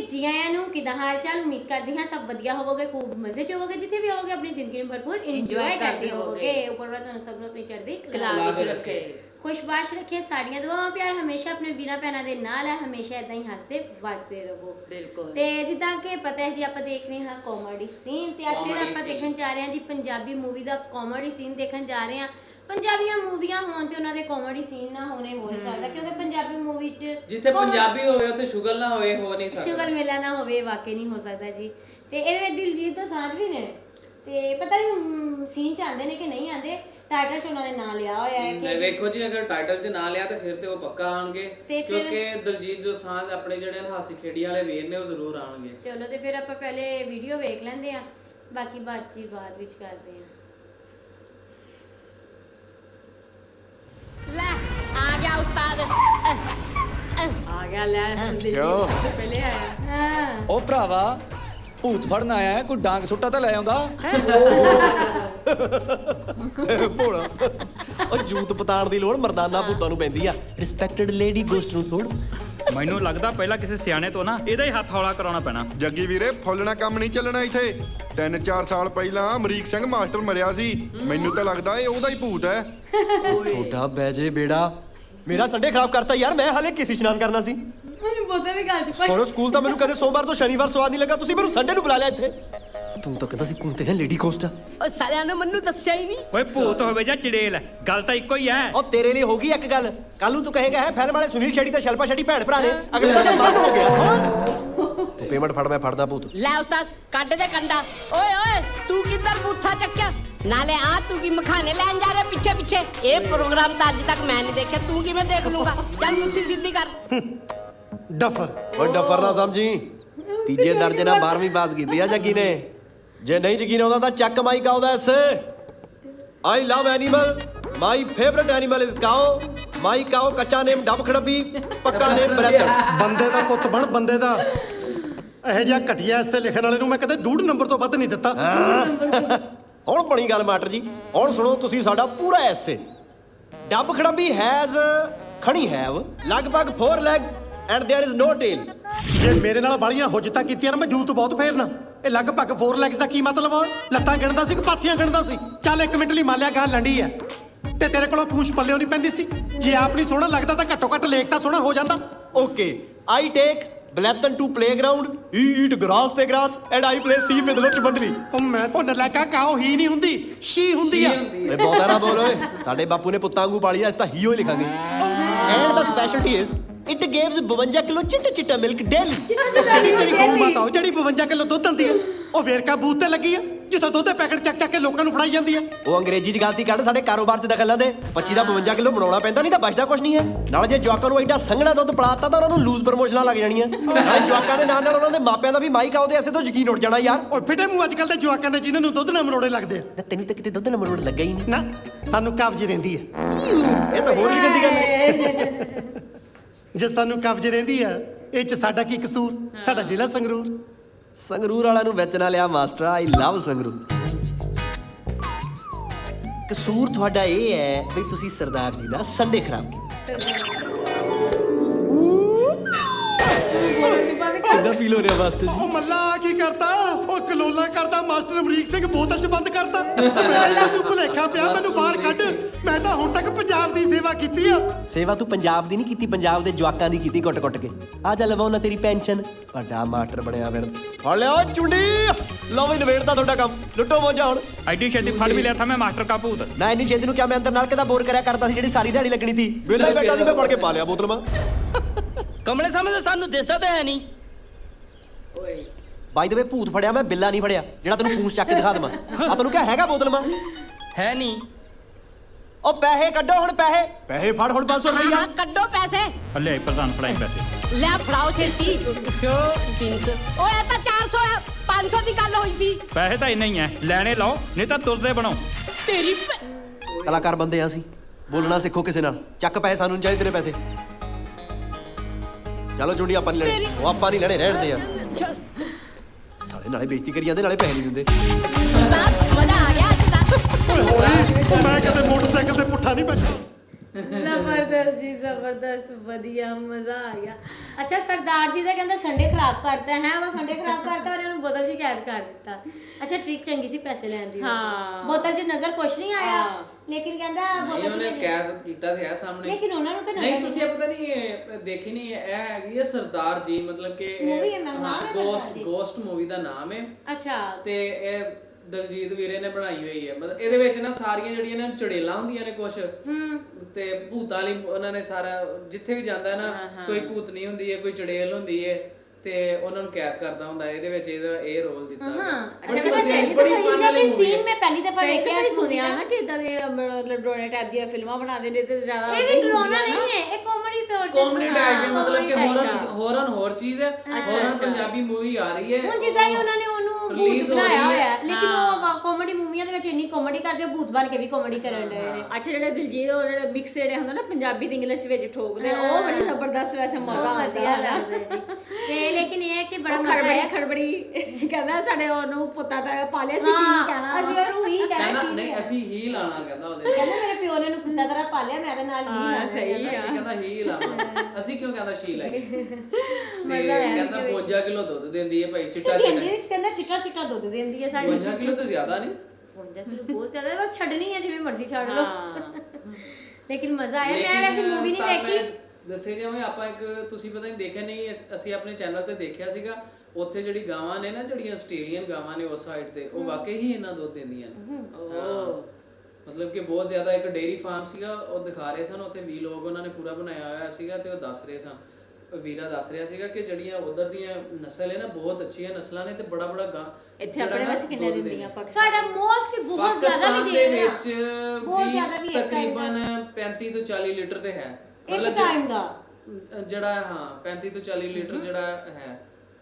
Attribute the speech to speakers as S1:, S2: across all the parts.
S1: ਜੀ ਆਇਆਂ ਨੂੰ ਕਿਦਾਂ ਹਾਲ ਚਾਲ ਉਮੀਦ ਕਰਦੀ ਹਾਂ ਸਭ ਵਧੀਆ ਹੋਵੋਗੇ ਖੂਬ ਮਜ਼ੇ ਚ ਹੋਵੋਗੇ ਜਿੱਥੇ ਵੀ ਹੋਵੋਗੇ ਆਪਣੀ ਜ਼ਿੰਦਗੀ ਨੂੰ ਭਰਪੂਰ ਇੰਜੋਏ ਕਰਦੇ ਹੋਵੋਗੇ ਉੱਪਰ ਵਾਲਾ ਤੁਹਾਨੂੰ ਸਭ ਨੂੰ ਆਪਣੀ ਚੜ੍ਹਦੀ ਕਲਾ ਵਿੱਚ ਰੱਖੇ ਖੁਸ਼ਬਾਸ਼ ਰੱਖੇ ਸਾਡੀਆਂ ਦੁਆਵਾਂ ਪਿਆਰ ਹਮੇਸ਼ਾ ਆਪਣੇ ਵੀਰਾਂ ਭੈਣਾਂ ਦੇ ਨਾਲ ਹੈ ਹਮੇਸ਼ਾ ਇਦਾਂ ਹੀ ਹੱਸਦੇ ਵਸਦੇ ਰਹੋ
S2: ਬਿਲਕੁਲ
S1: ਤੇ ਜਿੱਦਾਂ ਕਿ ਪਤਾ ਹੈ ਜੀ ਆਪਾਂ ਦੇਖ ਰਹੇ ਹਾਂ ਕਾਮੇਡੀ ਸੀਨ ਤੇ ਅੱਜ ਫਿਰ ਆਪਾਂ ਦੇਖਣ ਜਾ ਰਹੇ ਹਾਂ ਜੀ ਪੰਜਾਬੀ ਮੂਵੀ ਦਾ ਕਾਮੇਡੀ ਸੀਨ ਦੇਖਣ ਜਾ ਰਹੇ ਹਾਂ ਪੰਜਾਬੀਆਂ ਮੂਵੀਆਂ ਹੋਣ ਤੇ ਉਹਨਾਂ ਦੇ ਕਾਮੇਡੀ ਸੀਨ ਨਾ ਹੋਣੇ ਹੋ ਨਹੀਂ ਸਕਦਾ ਕਿਉਂਕਿ ਪੰਜਾਬੀ ਮੂਵੀ 'ਚ
S3: ਜਿੱਥੇ ਪੰਜਾਬੀ ਹੋਵੇ ਉੱਥੇ ਸ਼ੁਗਲ ਨਾ ਹੋਵੇ ਹੋ ਨਹੀਂ ਸਕਦਾ
S1: ਸ਼ੁਗਲ ਮੇਲਾ ਨਾ ਹੋਵੇ ਵਾਕਈ ਨਹੀਂ ਹੋ ਸਕਦਾ ਜੀ ਤੇ ਇਹਦੇ ਵਿੱਚ ਦਿਲਜੀਤ ਦੋਸਾਂਝ ਵੀ ਨੇ ਤੇ ਪਤਾ ਨਹੀਂ ਸੀਨ 'ਚ ਆਉਂਦੇ ਨੇ ਕਿ ਨਹੀਂ ਆਉਂਦੇ ਟਾਈਟਲ 'ਚ ਉਹਨਾਂ ਨੇ ਨਾਂ ਲਿਆ ਹੋਇਆ ਹੈ ਕਿ
S3: ਵੇਖੋ ਜੀ ਅਗਰ ਟਾਈਟਲ 'ਚ ਨਾਂ ਲਿਆ ਤੇ ਫਿਰ ਤੇ ਉਹ ਪੱਕਾ ਆਣਗੇ ਕਿਉਂਕਿ ਦਿਲਜੀਤ ਦੋਸਾਂਝ ਆਪਣੇ ਜਿਹੜੇ ਹਾਸੀ ਖੇਡੀ ਵਾਲੇ ਵੀਰ ਨੇ ਉਹ ਜ਼ਰੂਰ ਆਣਗੇ
S1: ਚਲੋ ਤੇ ਫਿਰ ਆਪਾਂ ਪਹਿਲੇ ਵੀਡੀਓ ਵੇਖ ਲੈਂਦੇ ਆ ਬਾਕੀ ਬਾਤਚੀਤ ਬਾਅਦ ਵਿੱਚ ਕਰਦੇ ਆ
S4: ਲੈ ਆ ਗਿਆ ਉਸਤਾਦ
S2: ਆ ਗਿਆ ਲੈ
S5: ਕਿਉਂ?
S2: ਪਹਿਲੇ ਆਇਆ
S1: ਹਾਂ
S5: ਉਹ ਭਰਾਵਾ ਭੂਤ ਫੜਨ ਆਇਆ ਹੈ, ਕੋਈ ਡਾਂਗ ਸੁੱਟਾ ਤਾਂ ਲੈ ਆਉਂਦਾ
S6: ਭੋਲਾ ਉਹ ਜੂਤ ਪਤਾਣ ਦੀ ਲੋੜ ਮਰਦਾਨਾ ਭੂਤਾਂ ਨੂੰ ਪੈਂਦੀ ਆ ਰਿਸਪੈਕਟਡ ਲੇਡੀ ਗੋਸਟ ਨੂੰ ਥੋੜ
S7: ਮੈਨੂੰ ਲੱਗਦਾ ਪਹਿਲਾਂ ਕਿਸੇ ਸਿਆਣੇ ਤੋਂ ਨਾ ਇਹਦਾ ਹੀ ਹੱਥ ਹੌਲਾ ਕਰਾਉਣਾ ਪੈਣਾ
S8: ਜੱਗੀ ਵੀਰੇ ਫੁੱਲਣਾ ਕੰਮ ਨਹੀਂ ਚੱਲਣਾ ਇੱਥੇ 3-4 ਸਾਲ ਪਹਿਲਾਂ ਅਮਰੀਕ ਸਿੰਘ ਮਾਸਟਰ ਮਰਿਆ ਸੀ ਮੈਨੂੰ ਤਾਂ ਲੱਗਦਾ ਇਹ ਉਹਦਾ ਹੀ ਭੂਤ ਹੈ
S6: ਤੁਹਾਡਾ ਬੈਜੇ ਬੇੜਾ ਮੇਰਾ ਸੰਡੇ ਖਰਾਬ ਕਰਤਾ ਯਾਰ ਮੈਂ ਹਾਲੇ ਕਿਸੇ ਇਸ਼ਨਾਨ ਕਰਨਾ ਸੀ
S1: ਮੈਨੂੰ ਪਤਾ ਵੀ ਗੱਲ ਚ
S6: ਸੋਨੋ ਸਕੂਲ ਤਾਂ ਮੈਨੂੰ ਕਦੇ ਸੋਮਵਾਰ ਤੋਂ ਸ਼ਨੀਵਾਰ ਸਵਾਦ ਨਹੀਂ ਲੱਗਾ ਤੁਸੀਂ ਮੈਨੂੰ ਸੰਡੇ ਨੂੰ ਬੁਲਾ ਲਿਆ ਇੱਥੇ ਤੂੰ ਤਾਂ ਕਹਿੰਦਾ ਸੀ ਕੁੰਤੇ ਹੈ ਲੇਡੀ ਕੋਸਟ
S4: ਉਹ ਸਾਲਿਆਂ ਨੇ ਮੈਨੂੰ ਦੱਸਿਆ ਹੀ ਨਹੀਂ
S7: ਓਏ ਭੂਤ ਹੋਵੇ ਜਾਂ ਚੜੇਲ ਗੱਲ ਤਾਂ ਇੱਕੋ ਹੀ ਐ
S6: ਉਹ ਤੇਰੇ ਲਈ ਹੋਗੀ ਇੱਕ ਗੱਲ ਕੱਲ ਨੂੰ ਤੂੰ ਕਹੇਗਾ ਹੈ ਫਿਲਮ ਵਾਲੇ ਸੁਨੀਲ ਸ਼ੈਟੀ ਤੇ ਸ਼ਿਲਪਾ ਸ਼ੈਟੀ ਭੈਣ ਭਰਾ ਨੇ ਅਗਲੇ ਦਾ ਤਾਂ ਮਨ ਹੋ ਗਿਆ ਤੂੰ ਪੇਮੈਂਟ ਫੜ ਮੈਂ ਫੜਦਾ ਭੂਤ
S4: ਲੈ ਉਸਤਾਦ ਕੱਢ ਦੇ ਕੰਡਾ ਓਏ ਓਏ ਤੂੰ ਕਿੱਧਰ ਬੂਥਾ ਚੱਕਿਆ ਨਾਲੇ ਆ ਤੂੰ ਕੀ ਮਖਾਨੇ ਲੈਣ ਜਾ ਰਿਹਾ ਪਿੱਛੇ ਪਿੱਛੇ ਇਹ ਪ੍ਰੋਗਰਾਮ ਤਾਂ ਅੱਜ ਤੱਕ ਮੈਂ ਨਹੀਂ ਦੇਖਿਆ ਤੂੰ ਕਿਵੇਂ ਦੇਖ ਲੂੰਗਾ ਚੱਲ ਮੁੱਠੀ ਸਿੱਧੀ ਕਰ
S6: ਡਫਰ ਓਏ ਡਫਰ ਨਾ ਸਮਝੀ ਤੀਜੇ ਦਰਜੇ ਨਾਲ 12ਵੀਂ ਪਾਸ ਕੀਤੀ ਆ ਜੱਗੀ ਨੇ ਜੇ ਨਹੀਂ ਯਕੀਨ ਆਉਂਦਾ ਤਾਂ ਚੱਕ ਮਾਈਕ ਆਉਦਾ ਐਸੇ I love animal my favourite animal is cow my cow ਕੱਚਾ ਨੇਮ ਡੱਬ ਖੜੱਬੀ ਪੱਕਾ ਨੇਮ ਬ੍ਰੈਡ
S9: ਬੰਦੇ ਦਾ ਪੁੱਤ ਬਣ ਬੰਦੇ ਦਾ ਇਹ ਜਿਹਾ ਘਟਿਆ ਐਸੇ ਲਿਖਣ ਵਾਲੇ ਨੂੰ ਮੈਂ ਕਦੇ 2 ਨੰਬਰ ਤੋਂ ਵੱਧ ਨਹੀਂ ਦਿੱਤਾ
S6: ਹੁਣ ਬਣੀ ਗੱਲ ਮਾਸਟਰ ਜੀ ਹੁਣ ਸੁਣੋ ਤੁਸੀਂ ਸਾਡਾ ਪੂਰਾ ਐਸੇ ਡੱਬ ਖੜੱਬੀ ਹੈਜ਼ ਖਣੀ ਹੈਵ ਲਗਭਗ 4 legs and there is no tail
S9: ਜੇ ਮੇਰੇ ਨਾਲ ਬਾਲੀਆਂ ਹੁਜਤਾਂ ਕੀਤੀਆਂ ਨਾ ਮੈਂ ਜੂਤ ਬਹੁਤ ਫੇਰਨਾ ਇਹ ਲਗਭਗ 4 ਲੈਗਸ ਦਾ ਕੀ ਮਤਲਬ ਲੱਤਾਂ ਗਿਣਦਾ ਸੀ ਕਿ ਪਾਥੀਆਂ ਗਿਣਦਾ ਸੀ ਚੱਲ 1 ਮਿੰਟ ਲਈ ਮੰਨ ਲਿਆ ਗਾਂ ਲੰਡੀ ਐ ਤੇ ਤੇਰੇ ਕੋਲੋਂ ਪੂਛ ਪੱਲਿਓ ਨਹੀਂ ਪੈਂਦੀ ਸੀ ਜੇ ਆਪ ਨਹੀਂ ਸੋਹਣਾ ਲੱਗਦਾ ਤਾਂ ਘੱਟੋ ਘੱਟ ਲੇਖ ਤਾਂ ਸੋਹਣਾ ਹੋ ਜਾਂਦਾ
S6: ਓਕੇ ਆਈ ਟੇਕ ਬਲੈਥਨ ਟੂ ਪਲੇਗਰਾਉਂਡ ਹੀ ਈਟ ਗ੍ਰਾਸ ਤੇ ਗ੍ਰਾਸ ਐਂਡ ਆਈ ਪਲੇ ਸੀ ਵਿਦ ਲੁੱਚ ਬੰਡਲੀ
S9: ਉਹ ਮੈਂ ਭੁੰਨ ਲੱਗਾ ਕਾਓ ਹੀ ਨਹੀਂ ਹੁੰਦੀ ਸ਼ੀ ਹੁੰਦੀ ਆ
S6: ਤੇ ਬਹੁਤਾ ਨਾ ਬੋਲ ਓਏ ਸਾਡੇ ਬਾਪੂ ਨੇ ਪੁੱਤਾਂ ਵਾਂਗੂ ਪਾਲੀ ਅੱਜ ਤਾਂ ਹੀਓ ਹੀ ਲਿਖਾਂਗੇ and the speciality is it gives 52 kilo ਚਿੱਟਾ ਚਿੱਟਾ ਮਿਲਕ ਡੇਲੀ
S9: ਜਿਹੜੀ ਤੇਰੀ ਗਊ ਮਾਤਾ ਉਹ ਜਿਹੜੀ 52 ਕਿਲੋ ਦੁੱਧ ਦਿੰਦੀ ਆ ਉਹ ਵੇਰਕਾ ਬੂਥ ਤੇ ਲੱਗੀ ਆ ਜਿੱਥੋਂ ਦੁੱਧ ਦੇ ਪੈਕਟ ਚੱਕ ਚੱਕ ਕੇ ਲੋਕਾਂ ਨੂੰ ਫੜਾਈ ਜਾਂਦੀ ਆ
S6: ਉਹ ਅੰਗਰੇਜ਼ੀ 'ਚ ਗਲਤੀ ਕੱਢ ਸਾਡੇ ਕਾਰੋਬਾਰ 'ਚ ਦਖਲ ਲੈਂਦੇ 25 ਦਾ 52 ਕਿਲੋ ਬਣਾਉਣਾ ਪੈਂਦਾ ਨਹੀਂ ਤਾਂ ਬਚਦਾ ਕੁਝ ਨਹੀਂ ਹੈ ਨਾਲ ਜੇ ਜਵਾਕਾਂ ਨੂੰ ਐਡਾ ਸੰਘਣਾ ਦੁੱਧ ਪਿਲਾਤਾ ਤਾਂ ਉਹਨਾਂ ਨੂੰ ਲੂਜ਼ ਪ੍ਰਮੋਸ਼ਨਾਂ ਲੱਗ ਜਾਣੀਆਂ ਨਾਲੇ ਜਵਾਕਾਂ ਦੇ ਨਾਲ ਨਾਲ ਉਹਨਾਂ ਦੇ ਮਾਪਿਆਂ ਦਾ ਵੀ ਮਾਈਕ ਆਉਦੇ ਐਸੇ ਤੋਂ ਯਕੀਨ ਉੱਡ ਜਾਣਾ ਯਾਰ
S9: ਓਏ ਫਿੱਟੇ ਮੂੰਹ ਅੱਜ ਕੱਲ ਦੇ ਜਵਾਕਾਂ ਦੇ ਜਿਨ੍ਹਾਂ ਨੂੰ ਦੁੱਧ ਨਾ ਮਰੋੜੇ ਲੱਗਦੇ ਆ
S6: ਤੈਨੂੰ ਤਾਂ ਕਿਤੇ ਦੁੱਧ ਨਾ ਮਰੋੜ ਲੱਗਾ ਹੀ ਨਹੀਂ
S9: ਨਾ ਸਾਨੂੰ ਕਬਜ਼ ਰਹਿੰਦੀ ਆ
S6: ਇਹ ਤਾਂ ਹੋਰ ਵੀ ਗੰਦੀ ਗੱਲ ਹੈ
S9: ਜੇ ਸਾਨੂੰ ਕਬਜ਼ ਰਹਿੰਦੀ ਆ ਇਹ ਚ ਸਾਡਾ ਕੀ ਕਸੂਰ ਸਾਡਾ ਜ਼ਿਲ੍ਹਾ ਸੰਗਰੂਰ
S6: ਸੰਗਰੂਰ ਵਾਲਿਆਂ ਨੂੰ ਵਿੱਚ ਨਾ ਲਿਆ ਮਾਸਟਰ ਆਈ ਲਵ ਸੰਗਰੂਰ ਕਸੂਰ ਤੁਹਾਡਾ ਇਹ ਹੈ ਵੀ ਤੁਸੀਂ ਸਰਦਾਰ ਜੀ ਦਾ ਸੰਡੇ ਖਰਾਬ ਕੀਤਾ ਕਿੱਦਾਂ ਫੀਲ ਹੋ ਰਿਹਾ ਮਾਸਟਰ ਜੀ
S9: ਉਹ ਮੱਲਾ ਕੀ ਕਰਤਾ ਉਹ ਕਲੋਲਾ ਕਰਦਾ ਮਾਸਟਰ ਅਮਰੀਕ ਸਿੰਘ ਬੋਤਲ 'ਚ ਬੰਦ ਕਰਤਾ ਮੈਨੂੰ ਭੁਲੇਖਾ ਪਿਆ ਮੈਨੂੰ ਬਾਹਰ ਕੱਢ ਮੈਂ ਤਾਂ ਹੁਣ ਤੱਕ ਪੰਜਾਬ ਦੀ ਸੇਵਾ ਕੀਤੀ ਆ
S6: ਸੇਵਾ ਤੂੰ ਪੰਜਾਬ ਦੀ ਨਹੀਂ ਕੀਤੀ ਪੰਜਾਬ ਦੇ ਜਵਾਕਾਂ ਦੀ ਕੀਤੀ ਕੁੱਟ-ਕੁੱਟ ਕੇ ਆ ਜਾ ਲਵਾਉਣਾ ਤੇਰੀ ਪੈਨਸ਼ਨ ਵੱਡਾ ਮਾਸਟਰ ਬਣਿਆ ਫਿਰ ਫੜ ਲਿਆ ਚੁੰਡੀ ਲਓ ਵੀ ਨਵੇੜਦਾ ਤੁਹਾਡਾ ਕੰਮ ਲੁੱਟੋ ਮੋਜਾ ਹੁਣ
S7: ਐਡੀ ਛੇਤੀ ਫੜ ਵੀ ਲਿਆ ਥਾ ਮੈਂ ਮਾਸਟਰ ਕਾ ਭੂਤ
S6: ਮੈਂ ਇੰਨੀ ਛੇਤੀ ਨੂੰ ਕਿਹਾ ਮੈਂ ਅੰਦਰ ਨਾਲ ਕਿਦਾ ਬੋਰ ਕਰਿਆ ਕਰਦਾ ਸੀ ਜਿਹੜੀ ਸਾਰੀ ਦਿਹਾੜੀ ਲੱਗਣੀ ਸੀ ਵੇਲਾ ਹੀ ਬੈਠਾ ਸੀ ਮੈਂ ਫੜ ਕੇ ਪਾ ਲਿਆ ਬੋਤਲ ਮੈਂ
S4: ਕਮਲੇ ਸਾਹਮਣੇ ਸਾਨੂੰ ਦਿਸਦਾ ਤਾਂ ਹੈ ਨਹੀਂ
S3: ਓਏ
S6: ਬਾਈ ਦੇ ਵੇ ਭੂਤ ਫੜਿਆ ਮੈਂ ਬਿੱਲਾ ਨਹੀਂ ਫੜਿਆ ਜਿਹੜਾ ਤੈਨੂੰ ਪੂੰਛ ਚੱਕ ਕੇ ਦਿਖਾ ਦਵਾਂ ਆ ਤੈਨੂੰ ਕਿਹਾ ਹੈਗਾ ਬੋਤਲ ਮੈਂ
S4: ਹੈ ਨਹੀਂ
S6: ਉਹ ਪੈਸੇ ਕੱਢੋ ਹੁਣ ਪੈਸੇ ਫੜ ਹੁਣ 500 ਰੁਪਈਆ
S4: ਕੱਢੋ ਪੈਸੇ
S7: ਹੱਲੇ ਪ੍ਰਧਾਨ ਫੜਾਈ ਪੈਸੇ
S4: ਲੈ ਫੜਾਓ ਛੇਤੀ 300 ਓਏ ਇਹ ਤਾਂ 400 ਹੈ 500 ਦੀ ਗੱਲ ਹੋਈ ਸੀ
S7: ਪੈਸੇ ਤਾਂ ਇੰਨੇ ਹੀ ਐ ਲੈਣੇ ਲਾਓ ਨਹੀਂ ਤਾਂ ਤੁਰਦੇ ਬਣੋ
S4: ਤੇਰੀ
S6: ਕਲਾਕਾਰ ਬੰਦੇ ਆ ਅਸੀਂ ਬੋਲਣਾ ਸਿੱਖੋ ਕਿਸੇ ਨਾਲ ਚੱਕ ਪੈਸੇ ਸਾਨੂੰ ਨਹੀਂ ਚਾਹੀਦੇ ਤੇਰੇ ਪੈਸੇ ਚਲੋ ਚੁੰਡੀ ਆਪਾਂ ਨਹੀਂ ਲੈਣੇ ਉਹ ਆਪਾਂ ਨਹੀਂ ਲੈਣੇ ਰਹਿਣ ਦੇ ਯਾਰ ਸਾਲੇ ਨਾਲੇ ਬੇਇੱਜ਼ਤੀ ਕਰੀ ਜਾਂਦੇ ਨਾਲੇ ਪੈਸੇ ਨਹੀਂ ਦਿੰਦੇ
S4: ਉਸਤਾਦ ਮਜ਼ਾ ਆ ਗਿਆ ਅੱਜ ਤਾਂ
S9: ਓਏ ਹੋਏ ਉਹ ਮੈਂ ਕਦੇ ਮੋਟਰਸਾਈਕਲ ਤੇ ਪੁੱਠਾ ਨਹੀਂ ਬੈਠਾ
S1: ਜ਼ਬਰਦਸਤ ਜੀ, ਜ਼ਬਰਦਸਤ, ਵਧੀਆ, ਮਜ਼ਾ ਆ ਗਿਆ। ਅੱਛਾ, ਸਰਦਾਰ ਜੀ ਦਾ ਕਹਿੰਦਾ ਸੰਡੇ ਖਰਾਬ ਕਰਤਾ ਹੈ, ਉਹਦਾ ਸੰਡੇ ਖਰਾਬ ਕਰਤਾ ਔਰ ਇਹਨੂੰ ਬੋਤਲ 'ਚ ਕੈਦ ਕਰ ਦਿੱਤਾ। ਅੱਛਾ, ਟ੍ਰਿਕ ਚੰਗੀ ਸੀ ਪੈਸੇ ਲੈਣ ਦੀ।
S2: ਹਾਂ।
S1: ਬੋਤਲ 'ਚ ਨਜ਼ਰ ਕੁਛ ਨਹੀਂ ਆਇਆ, ਲੇਕਿਨ ਕਹਿੰਦਾ
S3: ਨਹੀਂ,
S1: ਬੋਤਲ
S3: ਉਹਨੇ
S1: 'ਚ
S3: ਕੈਦ ਕੀਤਾ ਤੇ ਹੈ ਸਾਹਮਣੇ,
S1: ਲੇਕਿਨ ਉਹਨਾਂ ਨੂੰ ਤਾਂ
S3: ਨਹੀਂ
S1: ਨਜ਼ਰ
S3: ਤੁਸੀਂ ਪਤਾ ਨਹੀਂ ਦੇਖੀ ਨਹੀਂ, ਇਹ ਹੈਗੀ ਹੈ ਸਰਦਾਰ ਜੀ, ਮਤਲਬ ਕਿ
S1: Movie ਹੈ, ਨਾਮ ਹੈ ਸਰਦਾਰ ਜੀ।
S3: ਗੋਸਟ ਮੂਵੀ ਦਾ ਨਾਮ ਹੈ।
S1: ਅੱਛਾ,
S3: ਤੇ ਇਹ ਦਲਜੀਤ ਵੀਰੇ ਨੇ ਬਣਾਈ ਹੋਈ ਹੈ। ਮਤਲਬ ਇਹਦੇ ਵਿੱਚ ਨਾ ਸਾਰੀਆਂ ਜਿਹੜੀਆਂ ਨਾ ਚੜੇਲਾਂ ਹੁੰਦੀਆਂ ਨੇ ਕੁਛ, ਤੇ ਭੂਤਾਂ ਵਾਲੀ ਉਹਨਾਂ ਨੇ ਸਾਰਾ, ਜਿੱਥੇ ਵੀ ਜਾਂਦਾ ਨਾ ਕੋਈ ਭੂਤਨੀ ਹੁੰਦੀ ਹੈ, ਕੋਈ ਚੜੇਲ ਹੁੰਦੀ ਹੈ, ਤੇ ਉਹਨਾਂ ਨੂੰ ਕੈਦ ਕਰਦਾ ਹੁੰਦਾ। ਇਹਦੇ ਵਿੱਚ ਇਹਦਾ ਇਹ ਰੋਲ ਦਿੱਤਾ ਗਿਆ।
S1: ਅੱਛਾ, ਬੜੀ ਫਨ ਵਾਲੀ ਸੀਨ ਮੈਂ ਪਹਿਲੀ ਦਫਾ ਵੇਖਿਆ,
S2: ਮੈਂ ਸੁਣਿਆ ਨਾ ਕਿ ਇਦਾਂ ਦੇ ਮਤਲਬ ਡਰੋਨੇ ਟਾਈਪ ਦੀਆਂ ਫਿਲਮਾਂ ਬਣਾਉਂਦੇ ਨੇ ਤੇ ਜ਼ਿਆਦਾ
S1: ਇਹ ਵੀ ਡਰਾਉਣਾ ਨਹੀਂ ਹੈ, ਇਹ ਕਾਮੇਡੀ ਤੌਰ ਤੇ
S3: ਕਾਮੇਡੀ ਟਾਈਪ ਹੈ, ਮਤਲਬ ਕਿ ਹੋਰ ਚੀਜ਼ ਹੈ। ਹੋਰ ਪੰਜਾਬੀ ਮੂਵੀ ਆ ਰਹੀ ਹੈ,
S1: ਹੁਣ ਜਿੱਦਾਂ ਹੀ ਉਹਨਾਂ ਨੇ ਉਹਨੂੰ
S3: Release
S1: ਭੂਤ
S3: ਹੋ ਰਹੀ
S1: ਬਣਾਇਆ ਹੋਇਆ
S3: ਹੈ।
S1: ਹੈ, ਲੇਕਿਨ ਉਹ ਕਾਮੇਡੀ ਮੂਵੀਆਂ ਦੇ ਵਿੱਚ ਇੰਨੀ ਕਾਮੇਡੀ ਕਰਦੇ, ਭੂਤ ਬਣ ਕੇ ਵੀ ਕਾਮੇਡੀ ਕਰਨ ਡਏ ਨੇ।
S2: ਅੱਛਾ, ਜਿਹੜੇ ਦਿਲਜੀਤ ਉਹ ਜਿਹੜੇ ਮਿਕਸ ਜਿਹੜੇ ਹੁੰਦਾ ਨਾ ਪੰਜਾਬੀ ਤੇ ਇੰਗਲਿਸ਼ ਵਿੱਚ ਠੋਕਦੇ, ਉਹ ਬੜੀ ਜ਼ਬਰਦਸਤ, ਵੈਸੇ ਮਜ਼ਾ ਆਉਂਦਾ
S1: ਵਧੀਆ ਲੱਗਦਾ ਜੀ। ਤੇ ਲੇਕਿਨ ਇਹ ਹੈ ਕਿ ਬੜਾ ਮਜ਼ਾ
S2: ਖੜਬੜੀ
S1: ਆਇਆ।
S2: ਖੜਬੜੀ ਕਹਿੰਦਾ ਸਾਡੇ ਉਹਨੂੰ ਪੁੱਤਾਂ ਦਾ ਪਾਲਿਆ ਸੀ, ਕੀ ਕਹਿਣਾ
S1: ਅਸੀਂ ਉਹਨੂੰ ਹੀ
S3: ਕਹਿੰਦਾ
S1: ਕਹਿਣਾ
S3: ਨਹੀਂ ਅਸੀਂ ਹੀ ਲਾਣਾ, ਕਹਿੰਦਾ ਉਹਦੇ
S1: ਕਹਿੰਦਾ ਮੇਰੇ ਪਿਓ ਨੇ ਇਹਨੂੰ ਕੁੱਤਾ ਤਰ੍ਹਾਂ ਪਾਲਿਆ, ਮੈਂ ਇਹਦੇ ਨਾਲ ਹੀ ਲਾਣਾ।
S2: ਸਹੀ ਆ।
S3: ਅਸੀਂ ਕਹਿੰਦਾ ਹੀ ਲਾਣਾ, ਅਸੀਂ ਕਿਉਂ ਕਹਿੰਦਾ ਸ਼ੀ ਲਾਈ।
S1: ਮਜ਼ਾ ਆਇਆ
S3: ਕਹਿੰਦਾ 52 ਕਿਲੋ ਦੁੱਧ ਦਿੰਦੀ ਹੈ ਭਾਈ, ਚਿੱਟਾ
S1: ਤੇ ਹਿੰਦੀ ਵਿੱਚ ਕਹਿੰਦਾ ਚਿੱਟਾ ਚਿੱਟਾ ਦੁੱਧ ਦਿੰਦੀ ਹੈ ਸਾਡੀ।
S3: 52 ਕਿਲੋ ਤੋਂ ਜ਼ਿਆਦਾ ਨਹੀਂ,
S1: 52 ਕਿਲੋ ਬਹੁਤ ਜ਼ਿਆਦਾ ਹੈ, ਬਸ ਛੱਡਣੀ ਹੈ ਜਿਵੇਂ ਮਰਜ਼ੀ ਛੱਡ ਲਓ। ਲੇਕਿਨ ਮਜ਼ਾ ਆਇਆ। ਮੈਂ ਵੈਸੇ ਮੂਵੀ ਨਹੀਂ ਦੇਖੀ।
S3: ਦੱਸੇ ਜਿਵੇਂ ਆਪਾਂ ਇੱਕ, ਤੁਸੀਂ ਪਤਾ ਨਹੀਂ ਦੇਖਿਆ ਨਹੀਂ, ਅਸੀਂ ਆਪਣੇ ਚੈਨਲ ਤੇ ਦੇਖਿਆ ਸੀਗਾ, ਉੱਥੇ ਜਿਹੜੀ ਗਾਵਾਂ ਨੇ ਨਾ, ਜਿਹੜੀਆਂ ਆਸਟ੍ਰੇਲੀਅਨ ਗਾਵਾਂ ਨੇ ਉਸ ਸਾਈਡ ਤੇ, ਉਹ ਵਾਕਈ ਹੀ ਇੰਨਾ ਦੁੱਧ ਦਿੰਦੀਆਂ ਨੇ। ਮਤਲਬ ਕਿ ਬਹੁਤ ਜ਼ਿਆਦਾ ਇੱਕ ਡੇਅਰੀ ਫਾਰਮ ਸੀਗਾ, ਉਹ ਦਿਖਾ ਰਹੇ ਸਨ ਉੱਥੇ ਵੀਲੋਗ ਉਹਨਾਂ ਨੇ ਪੂਰਾ ਬਣਾਇਆ ਹੋਇਆ ਸੀਗਾ, ਤੇ ਉਹ ਦੱਸ ਰਹੇ ਸਨ, ਵੀਰਾ ਦੱਸ ਰਿਹਾ ਸੀਗਾ ਕਿ ਜਿਹੜੀਆਂ ਉਧਰ ਦੀਆਂ ਨਸਲ ਹੈ ਨਾ, ਬਹੁਤ ਅੱਛੀਆਂ ਨਸਲਾਂ ਨੇ, ਤੇ ਬੜਾ ਗਾਂ
S2: ਇੱਥੇ ਆਪਣੇ ਵੈਸੇ ਕਿੰਨੇ ਦਿੰਦੀਆਂ
S1: ਸਾਡਾ ਮੋਸਟਲੀ ਬਹੁਤ ਜ਼ਿਆਦਾ ਵੀ
S3: ਦੇ
S1: ਦੇ
S3: ਵਿੱਚ
S1: ਬਹੁਤ ਜ਼ਿਆਦਾ ਵੀ
S3: ਤਕਰੀਬਨ 35 ਤੋਂ 40 ਲੀਟਰ ਤੇ ਹੈ,
S1: ਇੱਕ ਟਾਈਮ ਦਾ
S3: ਜਿਹੜਾ, ਹਾਂ 35 ਤੋਂ 40 ਲੀਟਰ ਜਿਹੜਾ ਹੈ।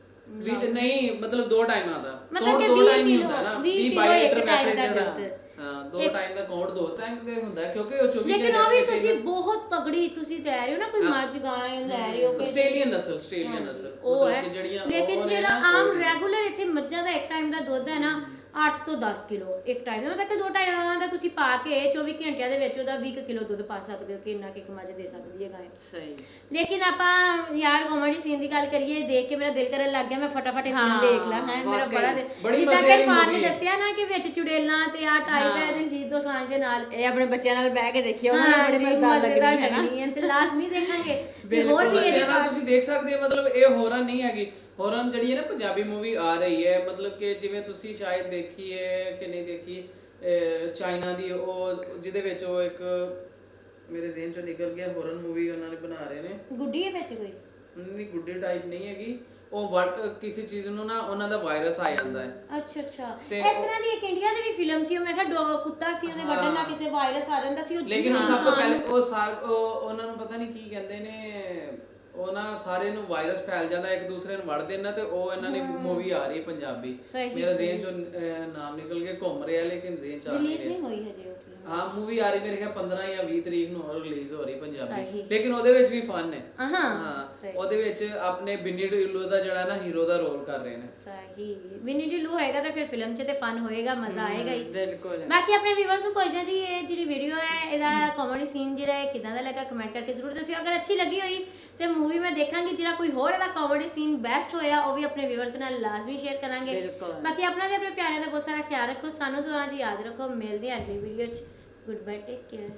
S3: ਨਹੀਂ ਮਤਲਬ 2 ਟਾਈਮਾਂ ਦਾ,
S1: ਮਤਲਬ ਕਿ
S3: 2 ਟਾਈਮ
S1: 20
S3: ਹੁੰਦਾ ਨਾ,
S1: 20
S3: 22 ਲੀਟਰ
S1: ਇੱਕ ਟਾਈਮ ਦਾ
S3: ਮੈਸੇਜ
S1: ਦੁੱਧ।
S3: ਹਾਂ 2 ਟਾਈਮ ਦਾ ਕਾਊਂਟ 2 ਟਾਈਮ ਦੇ ਹੁੰਦਾ, ਕਿਉਂਕਿ ਉਹ 24
S1: ਲੇਕਿਨ ਉਹ ਵੀ ਤੁਸੀਂ ਬਹੁਤ ਤਗੜੀ ਤੁਸੀਂ ਲੈ ਰਹੇ ਹੋ ਨਾ, ਕੋਈ ਮੱਝ ਗਾਂ ਲੈ ਰਹੇ ਹੋ ਕਿ
S3: ਆਸਟ੍ਰੇਲੀਅਨ ਨਸਲ
S1: ਉਹ ਹੈ।
S3: ਜਿਹੜੀਆਂ
S1: ਲੇਕਿਨ ਜਿਹੜਾ ਆਮ ਰੈਗੂਲਰ ਇੱਥੇ ਮੱਝਾਂ ਦਾ ਇੱਕ ਟਾਈਮ ਦਾ ਦੁੱਧ ਹੈ ਨਾ 8 ਤੋਂ 10 ਕਿਲੋ ਇੱਕ ਟਾਈਮ ਦਾ, ਮਤਲਬ ਕਿ 2 ਟਾਈਮਾਂ ਦਾ ਤੁਸੀਂ ਪਾ ਕੇ 24 ਘੰਟਿਆਂ ਦੇ ਵਿੱਚ ਉਹਦਾ 20 ਕਿਲੋ ਦੁੱਧ ਪਾ ਸਕਦੇ ਹੋ ਕਿ ਇੰਨਾ ਕਿ ਇੱਕ ਮੱਝ ਦੇ ਸਕਦੀ ਹੈ ਗਾਂ।
S2: ਸਹੀ।
S1: ਲੇਕਿਨ ਆਪਾਂ ਯਾਰ ਕਾਮੇਡੀ ਸੀਨ ਦੀ ਗੱਲ ਕਰੀਏ, ਦੇਖ ਕੇ ਮੇਰਾ ਦਿਲ ਕਰਨ ਲੱਗ ਗਿਆ ਮੈਂ ਫਟਾਫਟ ਇਹ ਫਿਲਮ ਦੇਖ ਲਾਂ। ਹੈ ਮੇਰਾ ਬੜਾ ਜਿੱਦਾਂ ਕਿ ਫਾਨ ਨੇ ਦੱਸਿਆ ਨਾ ਕਿ ਵਿੱਚ ਚੁੜੇਲਾਂ ਤੇ ਆ ਟਾਈਪ ਹੈ ਦਿਲਜੀਤ ਦੋਸਾਂਝ ਦੇ ਨਾਲ,
S2: ਇਹ ਆਪਣੇ ਬੱਚਿਆਂ ਨਾਲ ਬਹਿ ਕੇ ਦੇਖਿਓ, ਉਹਨਾਂ ਨੂੰ ਬੜੀ ਮਜ਼ੇਦਾਰ ਲੱਗਣੀ ਹੈ
S1: ਤੇ ਲਾਜ਼ਮੀ ਦੇਖਾਂਗੇ। ਤੇ ਹੋਰ ਵੀ ਇਹਦੇ
S3: ਨਾਲ ਤੁਸੀਂ ਦੇਖ ਸਕਦੇ ਹੋ, ਮਤਲਬ ਇਹ ਹੋਰਨ ਨਹੀਂ ਹੈਗੀ। ਹੋਰਨ ਜਿਹੜੀ ਹੈ ਨਾ ਪੰਜਾਬੀ ਮੂਵੀ ਆ ਰਹੀ ਹੈ, ਮਤਲਬ ਕਿ ਜਿਵੇਂ ਤੁਸੀਂ ਸ਼ਾਇਦ ਦੇਖੀ ਹੈ ਕਿ ਨਹੀਂ ਦੇਖੀ, ਚਾਈਨਾ ਦੀ, ਉਹ ਜਿਹਦੇ ਵਿੱਚ ਉਹ ਇੱਕ ਮੇਰੇ ਜ਼ਿਹਨ ਚੋਂ ਨਿਕਲ ਗਿਆ, ਹੋਰਨ ਮੂਵੀ ਉਹਨਾਂ ਨੇ ਬਣਾ ਰਹੇ ਨੇ।
S1: ਗੁੱਡੀ ਹੈ ਵਿੱਚ ਕੋਈ
S3: ਨਹੀਂ, ਗੁੱਡੀ ਟਾਈਪ ਨਹੀਂ ਹੈਗੀ ਉਹ, ਕਿਸੇ ਚੀਜ਼ ਨੂੰ ਨਾ ਉਹਨਾਂ ਦਾ ਵਾਇਰਸ ਆ ਜਾਂਦਾ ਹੈ।
S1: ਅੱਛਾ ਅੱਛਾ, ਇਸ ਤਰ੍ਹਾਂ ਦੀ ਇੱਕ ਇੰਡੀਆ ਦੀ ਵੀ ਫਿਲਮ ਸੀ, ਉਹ ਮੈਂ ਕਿਹਾ ਕੁੱਤਾ ਸੀ, ਉਹਦੇ ਵੱਢਣ ਨਾਲ ਕਿਸੇ ਵਾਇਰਸ ਆ ਜਾਂਦਾ ਸੀ।
S3: ਲੇਕਿਨ ਉਹ ਸਭ ਤੋਂ ਪਹਿਲੇ ਉਹਨਾਂ ਨੂੰ ਪਤਾ ਨਹੀਂ ਕੀ ਕਹਿੰਦੇ ਨੇ, ਉਹ ਨਾ ਸਾਰੇ ਨੂੰ ਵਾਇਰਸ ਫੈਲ ਜਾਂਦਾ, ਇੱਕ ਦੂਸਰੇ ਨੂੰ ਵੜ ਦੇਣਾ, ਤੇ ਉਹ ਇਹਨਾਂ ਦੀ ਮੂਵੀ ਆ ਰਹੀ ਹੈ ਪੰਜਾਬੀ। ਮੇਰਾ ਜ਼ਿਹਨ ਚੋਂ ਨਾਮ ਨਿਕਲ ਕੇ ਘੁੰਮ ਰਿਹਾ, ਲੇਕਿਨ ਜ਼ਿਹਨ ਚ ਆ ਨਹੀਂ ਰਿਹਾ।
S1: ਨਹੀਂ ਹੋਈ ਹਜੇ ਉਹ ਫਿਲਮ।
S3: ਹਾਂ ਮੂਵੀ ਆ ਰਹੀ ਮੇਰੇ ਖਿਆਲ 15 ਜਾਂ 20 ਤਰੀਕ ਨੂੰ ਹੋਰ ਰਿਲੀਜ਼ ਹੋ ਰਹੀ ਪੰਜਾਬੀ, ਲੇਕਿਨ ਉਹਦੇ ਵਿੱਚ ਵੀ ਫਨ ਹੈ। ਹਾਂ ਉਹਦੇ ਵਿੱਚ ਆਪਣੇ ਬਿੰਨੀ ਢਿੱਲੋਂ ਦਾ ਜਿਹੜਾ ਨਾ ਹੀਰੋ ਦਾ ਰੋਲ ਕਰ ਰਹੇ ਨੇ।
S1: ਸਹੀ, ਬਿੰਨੀ ਢਿੱਲੋਂ ਹੋਏਗਾ ਤਾਂ ਫਿਰ ਫਿਲਮ 'ਚ ਤੇ ਫਨ ਹੋਏਗਾ, ਮਜ਼ਾ ਆਏਗਾ ਹੀ।
S2: ਬਿਲਕੁਲ।
S1: ਬਾਕੀ ਆਪਣੇ ਵੀਵਰਸ ਨੂੰ ਪੁੱਛਦੇ ਹਾਂ ਜੀ, ਇਹ ਜਿਹੜੀ ਵੀਡੀਓ ਹੈ ਇਹਦਾ ਕਾਮੇਡੀ ਸੀਨ ਜਿਹੜਾ ਹੈ ਕਿਦਾਂ ਦਾ ਲੱਗਾ, ਕਮੈਂਟ ਕਰਕੇ ਜ਼ਰੂਰ ਦੱਸਿਓ। ਅਗਰ ਅੱਛੀ ਲੱਗੀ ਹੋਈ ਤੇ ਮੂਵੀ ਮੈਂ ਦੇਖਾਂਗੀ, ਜਿਹੜਾ ਕੋਈ ਹੋਰ ਇਹਦਾ ਕਾਮੇਡੀ ਸੀਨ ਬੈਸਟ ਹੋਇਆ ਉਹ ਵੀ ਆਪਣੇ ਵੀਵਰਸ ਨਾਲ ਲਾਜ਼ਮੀ ਸ਼ੇਅਰ ਕਰਾਂਗੇ। ਬਾਕੀ ਆਪਣਾ ਤੇ ਆਪਣੇ ਪਿਆਰਿਆਂ ਦਾ ਬਹੁਤ ਸਾਰਾ ਖਿਆਲ ਰੱਖੋ, ਸਾਨੂੰ ਦੁਆ 'ਚ ਯਾਦ ਰੱਖੋ। ਮਿਲਦੇ ਹਾਂ ਅਗਲੀ ਵੀਡੀਓ 'ਚ। Good bye, take care.